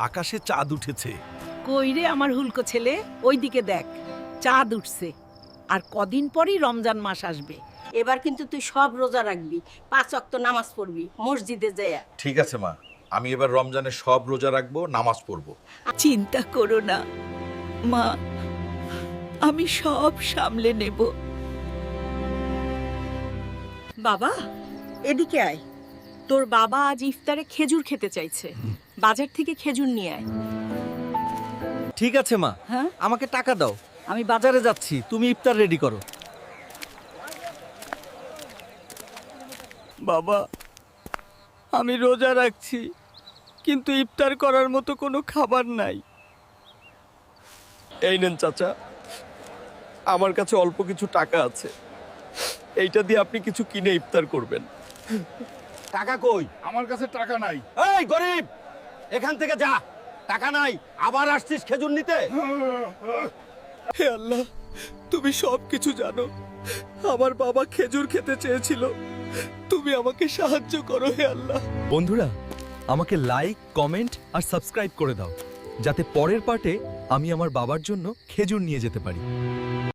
আকাশে চাঁদ উঠেছে। কই রে আমার হুলকো ছেলে, ওইদিকে দেখ, চাঁদ উঠছে। আর কদিন পরই রমজান মাস আসবে। এবার কিন্তু তুই সব রোজা রাখবি, 5 ওয়াক্ত নামাজ পড়বি মসজিদে যায়। ঠিক আছে মা, আমি এবার রমজানে সব রোজা রাখবো, নামাজ পড়বো। চিন্তা করো না মা, আমি সব সামলে নেব। বাবা, এদিকে আয়। তোর বাবা আজ ইফতারে খেজুর খেতে চাইছে, বাজার থেকে খেজুর নিয়ে আয়। ঠিক আছে মা, হ্যাঁ? আমাকে টাকা দাও, আমি বাজারে যাচ্ছি, তুমি ইফতার রেডি করো। বাবা, আমি রোজা রাখছি, কিন্তু ইফতার করার মতো কোনো খাবার নাই। এই নেন চাচা, আমার কাছে অল্প কিছু টাকা আছে, এইটা দিয়ে আপনি কিছু কিনে ইফতার করবেন। টাকা কই? আমার কাছে টাকা নাই। এই গরিব, এখান থেকে যা, টাকা নাই, আবার আসছিস খেজুর নিতে? হে আল্লাহ, তুমি সব কিছু জানো। আমার বাবা খেজুর খেতে চেয়েছিল, তুমি আমাকে সাহায্য করো হে আল্লাহ। বন্ধুরা, আমাকে লাইক, কমেন্ট আর সাবস্ক্রাইব করে দাও, যাতে পরের পার্টে আমি আমার বাবার জন্য খেজুর নিয়ে যেতে পারি।